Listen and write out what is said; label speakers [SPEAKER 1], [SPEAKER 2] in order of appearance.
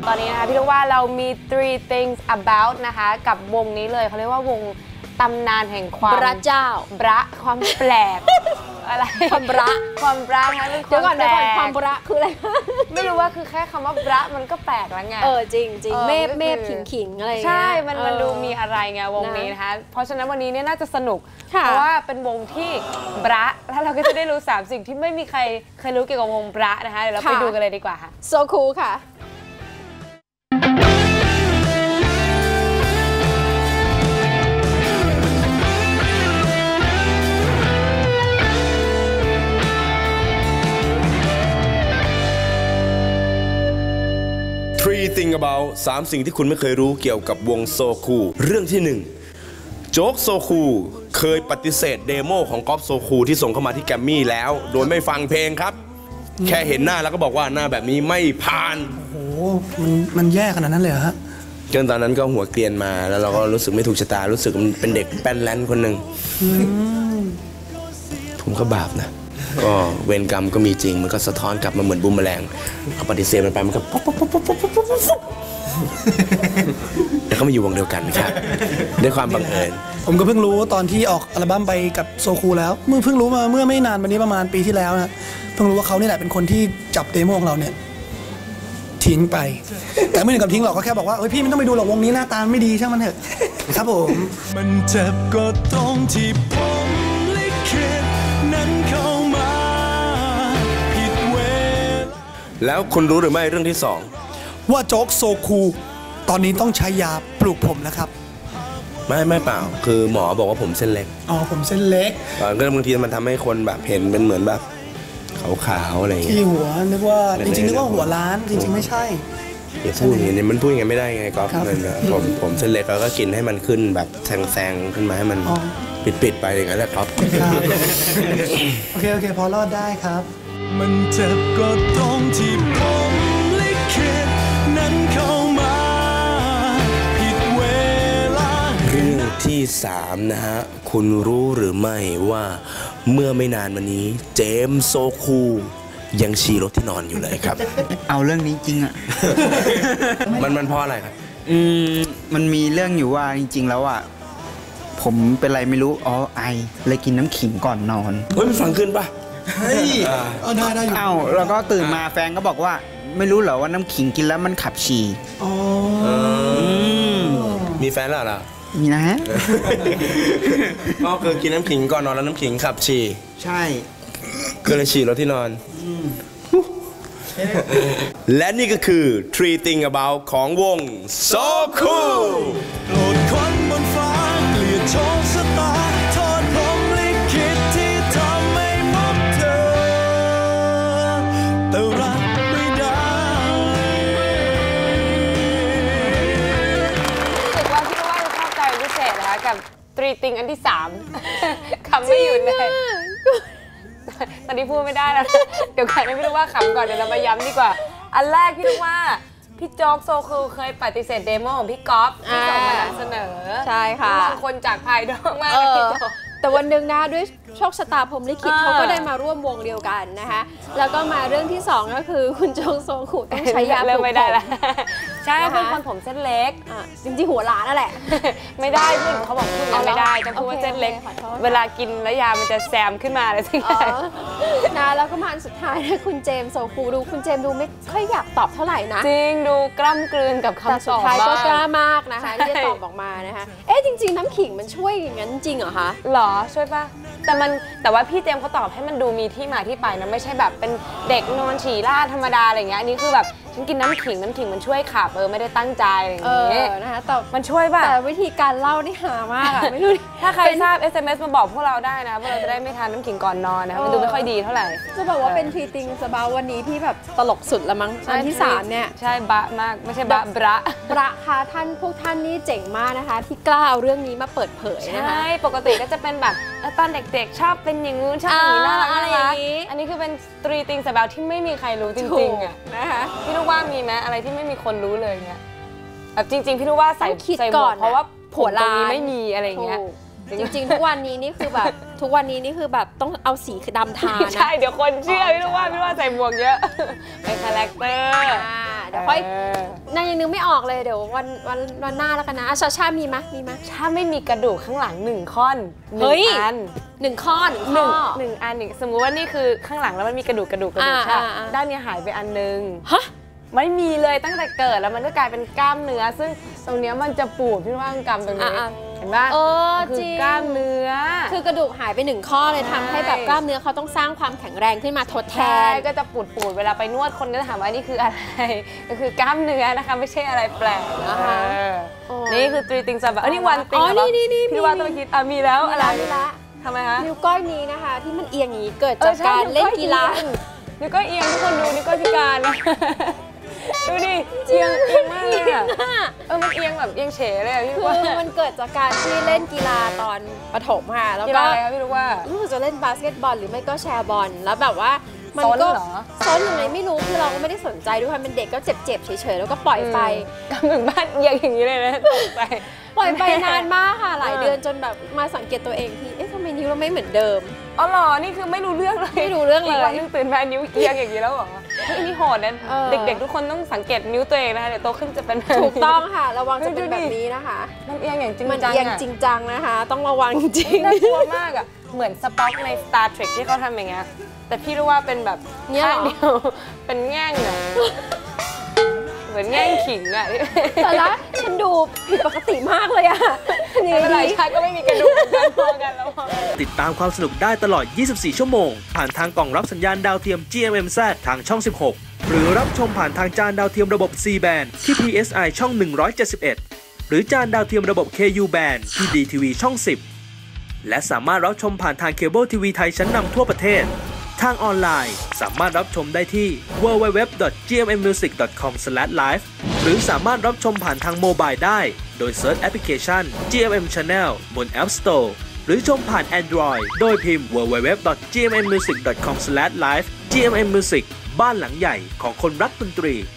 [SPEAKER 1] ตอนนี้นะคะพี่ลูกว่าเรามี three things about นะคะกับวงนี้เลยเขาเรียกว่าวงตำนานแห่งความ
[SPEAKER 2] พระเจ้า
[SPEAKER 1] ความแปลกอะไร
[SPEAKER 2] ความนะ
[SPEAKER 1] เดี๋ยวก่อน
[SPEAKER 2] ความคืออะไร
[SPEAKER 1] ไม่รู้ว่าคือแค่คำว่ามันก็แปลกแล้วไง
[SPEAKER 2] จริงเมฆขิงอะไร
[SPEAKER 1] ใช่มันดูมีอะไรไงวงนี้นะคะเพราะฉะนั้นวันนี้เนี่ยน่าจะสนุกเพราะว่าเป็นวงที่แล้วเราก็จะได้รู้3สิ่งที่ไม่มีใครเคยรู้เกี่ยวกับวงนะคะเดี๋ยวเราไปดูกันเลยดีกว่าค่ะ
[SPEAKER 2] So cool ค่ะ
[SPEAKER 3] Three things about 3 สิ่งที่คุณไม่เคยรู้เกี่ยวกับวงโซคูเรื่องที่1โจ๊กโซคูเคยปฏิเสธเดโมของก๊อฟโซคูที่ส่งเข้ามาที่แกรมมี่แล้วโดยไม่ฟังเพลงครับแค่เห็นหน้าแล้วก็บอกว่าหน้าแบบนี้ไม่ผ่าน
[SPEAKER 4] โอ้โหมันแย่ขนาดนั้นเลยเหรอฮะ
[SPEAKER 3] จนตอนนั้นก็หัวเกรียนมาแล้วเราก็รู้สึกไม่ถูกชะตารู้สึกมันเป็นเด็กแป้นแลนคนหนึ่งผมก็บาปนะก็เวรกรรมก็มีจริงมันก็สะท้อนกลับมาเหมือนบูมแมลงเอาปฏิเสธมันไปมันก็แล้วก็มาอยู่วงเดียวกันครับด้วยความบังเอิญ
[SPEAKER 4] ผมก็เพิ่งรู้ตอนที่ออกอัลบั้มไปกับโซคูแล้วเพิ่งรู้มาเมื่อไม่นานวันนี้ประมาณปีที่แล้วนะเพิ่งรู้ว่าเขานี่แหละเป็นคนที่จับเดโมของเราเนี่ยทิ้งไปแต่ไม่ถึงกับทิ้งหรอกก็แค่บอกว่าเฮ้ยพี่ไม่ต้องไปดูหรอกวงนี้หน้าตาไม่ดีช่างมันเถอะครับผมมันเจ็บก็ตรงที่ผมลิขิตนั้นเข้ามาผิดเวลา
[SPEAKER 3] แล้วคุณรู้หรือไม่เรื่องที่2
[SPEAKER 4] ว่าโจ๊กโซคูตอนนี้ต้องใช้ยาปลูกผมแล้วครับ
[SPEAKER 3] ไม่เปล่าคือหมอบอกว่าผมเส้นเล็ก
[SPEAKER 4] ผมเส้นเล็ก
[SPEAKER 3] ก็บางทีมันทำให้คนแบบเห็นเป็นเหมือนแบบขาวๆอะไรอย่างเงี้ย
[SPEAKER 4] ที่หัวนึกว่าจริงๆนึกว่าหัวล้านจริงๆไม่ใช่
[SPEAKER 3] อย่าพูดอย่างนี้มันพูดอย่างนี้ไม่ได้ไงก๊อฟผมเส้นเล็กแล้วก็กินให้มันขึ้นแบบแซงขึ้นมาให้มันปิดไปอย่างนั้นแหละครับ
[SPEAKER 4] โอเคพอรอดได้ครับมันเจ็บก็ตรงที่ผมลิขิตนั้นเข้ามาผิดเวลา
[SPEAKER 3] เรื่องที่3นะฮะคุณรู้หรือไม่ว่าเมื่อไม่นานมานี้เจมส์โซคูยังฉี่รถที่นอนอยู่เลยครับ
[SPEAKER 5] เอาเรื่องนี้จริงอ่ะ
[SPEAKER 3] มันเพราะอะไรครับ
[SPEAKER 5] มันมีเรื่องอยู่ว่าจริงๆแล้วอ่ะผมเป็นไรไม่รู้ไอเลยกินน้ำขิงก่อนนอน
[SPEAKER 3] เฮ้ยมันฟังขึ้นป่ะ
[SPEAKER 4] เฮ้ยได้อยู่
[SPEAKER 5] แล้วก็ตื่นมาแฟนก็บอกว่าไม่รู้เหรอว่าน้ำขิงกินแล้วมันขับฉี่
[SPEAKER 3] มีแฟนแล้วเหรอ
[SPEAKER 5] มีนะฮะ
[SPEAKER 3] ก็คือกินน้ำขิงก่อนนอนแล้วน้ำขิงขับฉี่
[SPEAKER 5] ใช่
[SPEAKER 3] ก็เลยฉี่รถที่นอนและนี่ก็คือ Three Things About ของวง So Cool โปรดคนบนฟ้าเกลียดโชคชะตาโทษผมลิขิตที่ทำให้พบเธอแต่รักไม่ได้
[SPEAKER 1] รู้สึกว่าพี่ว่าจะชอบใจพิเศษนะคะกับ Three Things อันที่3คำไม่หยุดเลยตอนนี้พูดไม่ได้แล้วเดี๋ยวก่อนไม่รู้ว่าขำก่อนเดี๋ยวเรามาย้ำดีกว่าอันแรกพี่รู้ว่าพี่โจ๊กโซคูเคยปฏิเสธเดโมของพี่ก๊อฟที่ส่งมานำเสนอ
[SPEAKER 2] ใช่ค่ะ
[SPEAKER 1] บางคนจากภายนอกมากพี่โจ๊ก
[SPEAKER 2] แต่วันหนึ่งนะด้วยโชคชะตาพรหมลิขิตเขาก็ได้มาร่วมวงเดียวกันนะคะแล้วก็มาเรื่องที่2ก็คือคุณโจ๊กโซคูต้องใช้ยาปลูกผม
[SPEAKER 1] ใช่เป็นคนผมเส้นเล็ก
[SPEAKER 2] จริงๆหัวล้านนั่นแหละ
[SPEAKER 1] ไม่ได้พี่เขาบอกพูดไม่ได้ต้องพูดว่าเส้นเล็กเวลากินแล้วยามันจะแซมขึ้นมาอะไรสักอย่าง
[SPEAKER 2] นะแล้วก็มาอันสุดท้ายนะคุณเจมส์โซคูดูคุณเจมส์ดูไม่ค่อยอยากตอบเท่าไหร่นะ
[SPEAKER 1] จริงดูกล้ำกลืนกับคำตอบ
[SPEAKER 2] สุดท้ายก็กล้ามากนะคะที่จะตอบออกมานะคะจริงๆน้ำขิงมันช่วยอย่างนั้นจริงเหรอคะ
[SPEAKER 1] หรอช่วยป่ะแต่ว่าพี่เจมส์เขาตอบให้มันดูมีที่มาที่ไปนะไม่ใช่แบบเป็นเด็กนอนฉี่ราดธรรมดาอะไรเงี้ยอันนี้คือแบบฉันกินน้ำขิงมันช่วยขับไม่ได้ตั้งใจอะไรอย่างเงี้ย
[SPEAKER 2] นะคะแต่
[SPEAKER 1] มันช่วยป่ะ
[SPEAKER 2] แต่วิธีการเล่านี่หามากไม่รู้
[SPEAKER 1] ถ้าใครทราบ SMS มาบอกพวกเราได้นะพวกเราจะได้ไม่ทานน้ำขิงก่อนนอนนะมันดูไม่ค่อยดีเท่าไหร่
[SPEAKER 2] จะบอกว่าเป็น Three Things About วันนี้ที่แบบตลกสุดละมั้งอันที่3เนี่ย
[SPEAKER 1] ใช่บะมากไม่ใช่บะ
[SPEAKER 2] ค่ะพวกท่านนี่เจ๋งมากนะคะที่กล้าเอาเรื่องนี้มาเปิดเผยนะคะ
[SPEAKER 1] ใช่ปกติก็จะเป็นแบบตอนเด็กๆชอบเป็นอย่างงู้นชอบอย่างนี้น่ารักอะไรอย่างนี้อันนี้คือเป็น Three Things About ที่ไม่มีใครรู้จริงๆอ่ะ
[SPEAKER 2] นะคะ
[SPEAKER 1] พี่รู้ว่ามีไหมอะไรที่ไม่มีคนรู้เลยเนี่ยแบบจริงๆพี่รู้ว่าใส่หมวกเพราะว่า
[SPEAKER 2] หัวลาย
[SPEAKER 1] ไม่มีอะไรอย่างเงี้ย
[SPEAKER 2] จริงๆทุกวันนี้นี่คือแบบต้องเอาสีดำทานะ
[SPEAKER 1] ใช่เดี๋ยวคนเชื่อพี่ว่าใส่หมวกเยอะเป็นคาแรคเตอร์
[SPEAKER 2] เดี๋ยวค่อยนายยังนึกไม่ออกเลยเดี๋ยววันหน้าแล้วกันนะชามีไหม
[SPEAKER 1] ถ้าไม่มีกระดูกข้างหลัง1ข้อน1 อัน
[SPEAKER 2] 1 ข้อ1
[SPEAKER 1] อันอีกสมมุติว่านี่คือข้างหลังแล้วมันมีกระดูกใช่ด้านนี้หายไปอันนึงไม่มีเลยตั้งแต่เกิดแล้วมันก็กลายเป็นกล้ามเนื้อซึ่งตรงนี้มันจะปูดพี่ว่ากำตรงนี้เห็นป่ะคือกล้ามเนื้อ
[SPEAKER 2] คือกระดูกหายไป1 ข้อเลยทำให้แบบกล้ามเนื้อเขาต้องสร้างความแข็งแรงขึ้นมาทดแทน
[SPEAKER 1] ก็จะปูดเวลาไปนวดคนก็จะถามว่านี่คืออะไรก็คือกล้ามเนื้อนะคะไม่ใช่อะไรแปลกนะคะนี่คือ3 things about นี่1 thing พี่ว่าต้องคิดมีแล้วอะไร
[SPEAKER 2] นี่ละ
[SPEAKER 1] ทำไมคะ
[SPEAKER 2] นิ้วก้อยนี้นะคะที่มันเอียงอย่างนี้เกิดจากการเล่นกีฬา
[SPEAKER 1] นิ้วก้อยเอียงทุกคนดูนิ้วก้อยพิการนะดูดิเอียงมากเลยอ่ะมันเอียงแบบเอียงเฉยเลยอ่ะพี่ว่า
[SPEAKER 2] มันเกิดจากการที่เล่นกีฬาตอนประถมค่ะแล้วก็
[SPEAKER 1] อะไรคะพี่รู้ว่า
[SPEAKER 2] จะเล่นบาสเกตบอลหรือไม่ก็แชร์บอลแล้วแบบว่ามันก็ซ้อนยังไงไม่รู้คือเราก็ไม่ได้สนใจด้วยค่ะเป็นเด็กก็เจ็บเฉยๆแล้วก็ปล่อยไป
[SPEAKER 1] กำลังบ้านเอียงอย่างนี้เลยนะ
[SPEAKER 2] ปล่อยไปนานมากค่ะหลายเดือนจนแบบมาสังเกตตัวเองทีทำไมนิ้วเราไม่เหมือนเดิม
[SPEAKER 1] อ๋อเหรอนี่คือไม่รู้เรื่องเลยอีกวันนึงตื่นมานิ้วเอียงอย่างนี้แล้วเหรอนี่โหดนะเด็กๆทุกคนต้องสังเกตนิ้วตัวเองนะคะเดี๋ยวโตขึ้นจะเป็น
[SPEAKER 2] ถูกต้องค่ะระวังจะเป็นแบบนี้นะคะ
[SPEAKER 1] มันเอียงอย่างจริงจัง
[SPEAKER 2] มันเอียงจริงจังนะคะต้องระวังจริง
[SPEAKER 1] น่ากลัวมากอ่ะเหมือนสป็อกใน Star Trek ที่เขาทำอย่างเงี้ยแต่พี่รู้ว่าเป็นแบบข้างเดียวเป็นแง่งอ่ะเหมือนแง่งขิงอ่ะ
[SPEAKER 2] แต่ละฉันดูผิดปกติมากเลยอ่ะ
[SPEAKER 1] นี่อะไรชาก็ไม่มีกระดูกกันพอกันแล้ว
[SPEAKER 6] ติดตามความสนุกได้ตลอด 24 ชั่วโมงผ่านทางกล่องรับสัญญาณดาวเทียม GMMZ ทางช่อง 16 หรือรับชมผ่านทางจานดาวเทียมระบบ C band ที่ PSI ช่อง 171 หรือจานดาวเทียมระบบ KU band ที่ DTV ช่อง 10 และสามารถรับชมผ่านทางเคเบิลทีวีไทยชั้นนำทั่วประเทศทางออนไลน์สามารถรับชมได้ที่ www.gmmusic.com/live หรือสามารถรับชมผ่านทางโมบายได้โดยเซิร์ชแอปพลิเคชัน GMM Channel บน App Store หรือชมผ่าน Android โดยพิมพ์ www.gmmusic.com/live GMM Music บ้านหลังใหญ่ของคนรักดนตรี